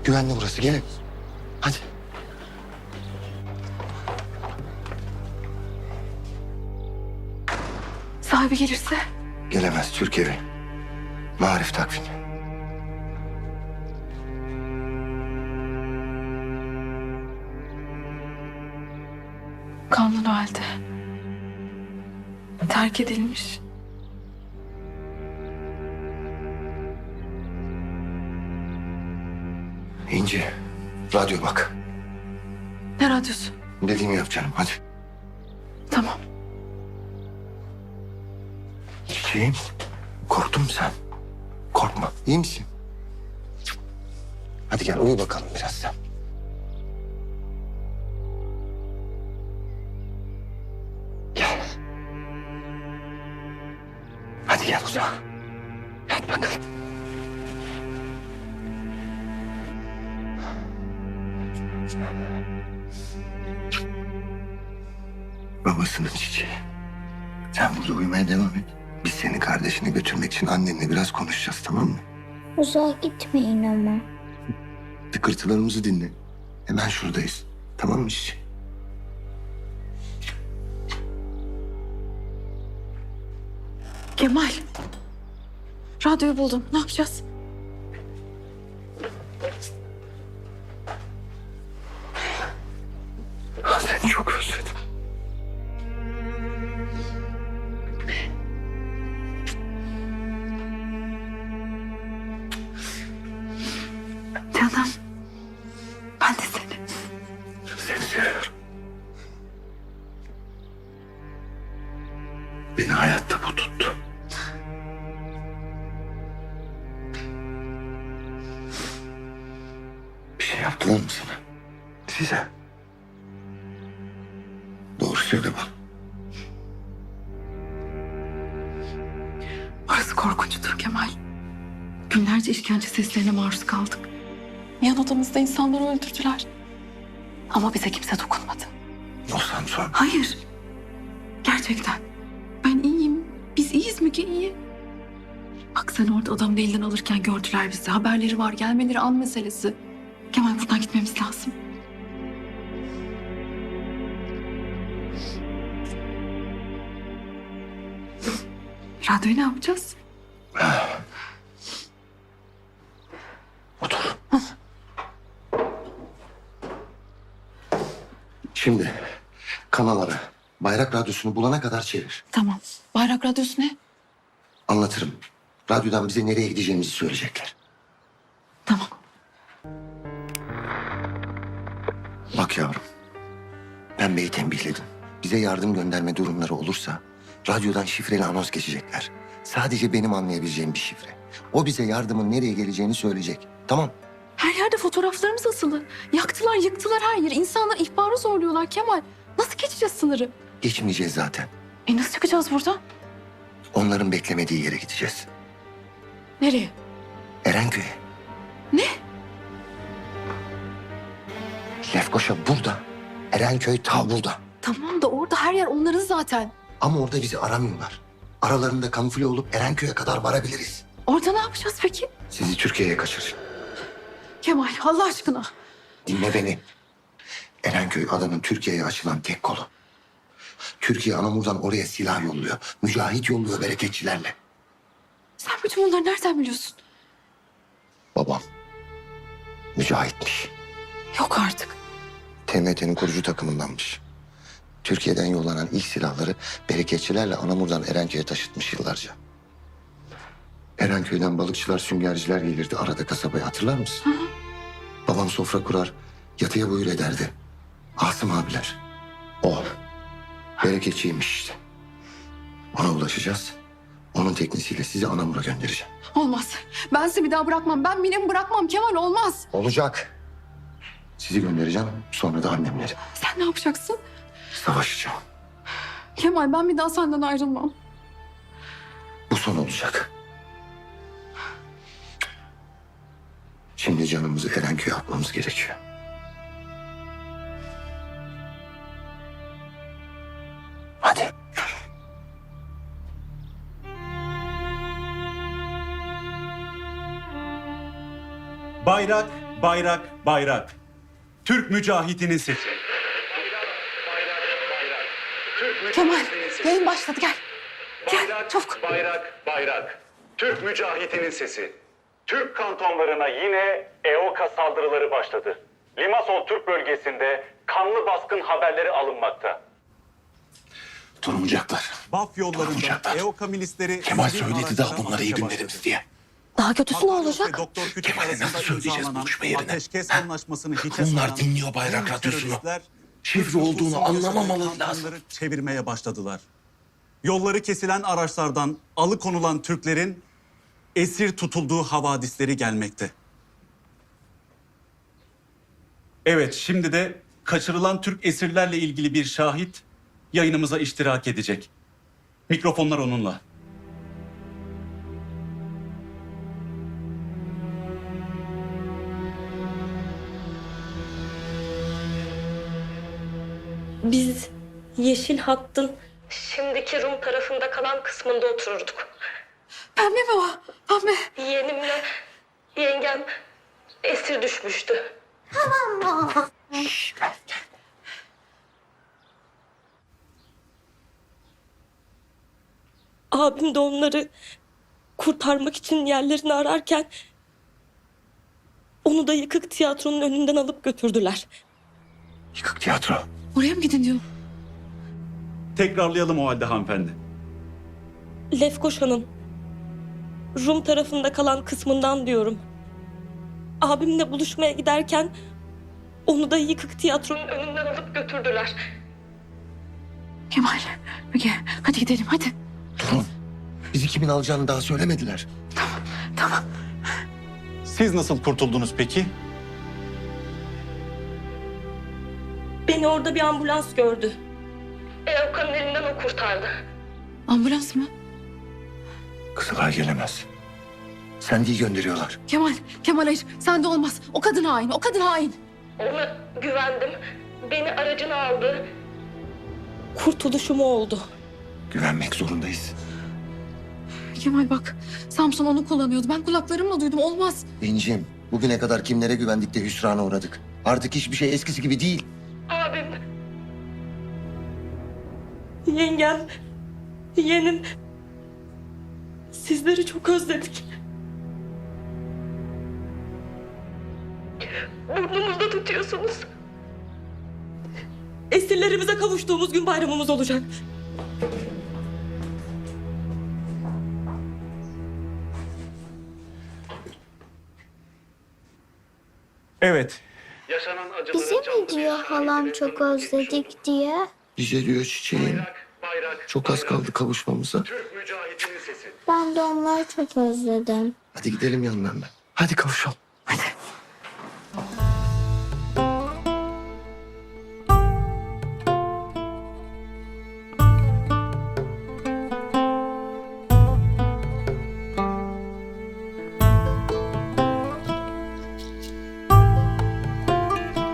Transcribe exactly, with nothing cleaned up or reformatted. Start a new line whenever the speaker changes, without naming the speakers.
Güvenli burası, gelin. Hadi.
Sahibi gelirse?
Gelemez, Türk evi. Marif takvimi.
Kanlı halde. Terk edilmiş.
İnci, radyo bak.
Ne radyosu?
Dediğimi yap canım, hadi.
Tamam.
Çiçeğim, korktun mu sen? Korkma, iyi misin? Hadi gel, uyu bakalım biraz sen. Gel. Hadi gel uzağa. Hadi bakalım. Babasının çiçeği. Sen burada uyumaya devam et. Biz seni kardeşine götürmek için annenle biraz konuşacağız, tamam mı?
Uzağa gitmeyin ama.
Tıkırtılarımızı dinle. Hemen şuradayız. Tamam mı çiçeğim?
Kemal. Radyoyu buldum. Ne yapacağız?
Seni çok özledim.
Canım. Ben de seni.
Seni seviyorum. Beni hayatta bu tuttu. Bir şey yaptılar mı sana? Size. Doğru söyle bana.
Orası korkunçtur Kemal. Günlerce işkence seslerine maruz kaldık. Yan odamızda insanları öldürdüler. Ama bize kimse dokunmadı.
Olsan sonra.
Hayır. Gerçekten. Ben iyiyim. Biz iyiyiz Müge, iyi. Bak sen orada adamın elinden alırken gördüler bizi. Haberleri var. Gelmeleri an meselesi. Kemal buradan gitmemiz lazım. Radyoyu ne yapacağız?
Otur. Şimdi kanalları, Bayrak Radyosu'nu bulana kadar çevir.
Tamam. Bayrak radyosu ne?
Anlatırım. Radyodan bize nereye gideceğimizi söyleyecekler.
Tamam.
Bak yavrum, ben beyi tembihledim. Bize yardım gönderme durumları olursa radyodan şifreli anons geçecekler. Sadece benim anlayabileceğim bir şifre. O bize yardımın nereye geleceğini söyleyecek. Tamam.
Her yerde fotoğraflarımız asılı. Yaktılar, yıktılar her yeri. İnsanlar ihbarı zorluyorlar Kemal. Nasıl geçeceğiz sınırı?
Geçmeyeceğiz zaten.
E nasıl çıkacağız buradan?
Onların beklemediği yere gideceğiz.
Nereye?
Erenköy'e.
Ne?
Lefkoşa burada. Erenköy ta burada.
Tamam da orada her yer onların zaten.
Ama orada bizi aramıyorlar. Aralarında kamufle olup Erenköy'e kadar varabiliriz.
Orada ne yapacağız peki?
Sizi Türkiye'ye kaçıracağım.
Kemal Allah aşkına.
Dinle beni. Erenköy adanın Türkiye'ye açılan tek kolu. Türkiye Anamur'dan oraya silah yolluyor. Mücahit yolluyor bereketçilerle.
Sen bütün bunları nereden biliyorsun?
Babam mücahitmiş.
Yok artık.
T M T'nin kurucu takımındanmış. Türkiye'den yollanan ilk silahları bereketçilerle Anamur'dan Erenköy'e taşıtmış yıllarca. Erenköy'den balıkçılar, süngerciler gelirdi arada kasabaya, hatırlar mısın?
Hı hı.
Babam sofra kurar, yatıya buyur ederdi. Asım abiler. O. Bereketçiymiş işte. Ona ulaşacağız. Onun teknisiyle sizi Anamur'a göndereceğim.
Olmaz. Ben sizi bir daha bırakmam. Ben Mine'mi bırakmam Kemal, olmaz.
Olacak. Sizi göndereceğim, sonra da annemleri.
Sen ne yapacaksın?
Savaşacağım.
Kemal ben bir daha senden ayrılmam.
Bu son olacak. Şimdi canımızı Erenköy'e atmamız gerekiyor. Hadi.
Bayrak bayrak, bayrak. Türk mücahidinin sesi.
Kemal, yayın başladı gel. Gel
Bayrak,
çabuk.
bayrak, bayrak. Türk mücahidinin sesi. Türk kantonlarına yine E O K A saldırıları başladı. Limasol Türk bölgesinde kanlı baskın haberleri alınmakta.
Durmayacaklar.
Baf yollarında
Durmayacaklar.
E O K A milisleri...
Kemal
sivil
söyledi daha
araçlara
bunlar iyi
atışa
günlerimiz
başladı.
diye.
Daha kötüsü ne
Makaryos ve
olacak?
Doktor Küçük
Kemal'e
arasında
nasıl söyleyeceğiz
imzalanan
buluşma yerine?
ateşkes anlaşmasını hiçe
Bunlar
sayan
dinliyor Bayrak
bu
Radyosu'nu.
teröristler
Şifre
Türk
olduğunu
nüfusunun
anlamamaları
yaşadığı
lazım.
kantonları çevirmeye başladılar. Yolları kesilen araçlardan alıkonulan Türklerin esir tutulduğu havadisleri gelmekte. Evet, şimdi de kaçırılan Türk esirlerle ilgili bir şahit yayınımıza iştirak edecek. Mikrofonlar onunla.
Biz Yeşil Hatt'ın şimdiki Rum tarafında kalan kısmında otururduk.
Pembe mi o? Pembe.
Yeğenimle yengem esir düşmüştü. Abim de onları kurtarmak için yerlerini ararken onu da yıkık tiyatronun önünden alıp götürdüler.
Yıkık tiyatro.
Oraya mı gidin diyor?
Tekrarlayalım o halde hanımefendi.
Lefkoşa'nın Rum tarafında kalan kısmından diyorum. Abimle buluşmaya giderken onu da yıkık tiyatronun önünden alıp götürdüler.
Kemal, Müge hadi gidelim hadi.
Durun. Bizi kimin alacağını daha söylemediler.
Tamam.
Siz nasıl kurtuldunuz peki?
Beni orada bir ambulans gördü. E O K'nın elinden o kurtardı.
Ambulans mı?
Kızılay gelemez. Sendi'yi gönderiyorlar.
Kemal, Kemal hayır. Sen de olmaz. O kadın hain, o kadın hain.
Ona güvendim. Beni aracına aldı. Kurtuluşum o oldu.
Güvenmek zorundayız.
Kemal bak, Samson onu kullanıyordu. Ben kulaklarımla duydum. Olmaz.
İncim, bugüne kadar kimlere güvendik de hüsrana uğradık. Artık hiçbir şey eskisi gibi değil.
Abim. Yengem. Yeğenim. Sizleri çok özledik. Burnumuzda tutuyorsunuz. Esirlerimize kavuştuğumuz gün bayramımız olacak.
Evet.
Bize mi diyor halam çok özledik diye?
Bize diyor çiçeğim. Çok az kaldı kavuşmamıza.
Ben de onları çok özledim.
Hadi gidelim yanlarına. Hadi kavuşalım.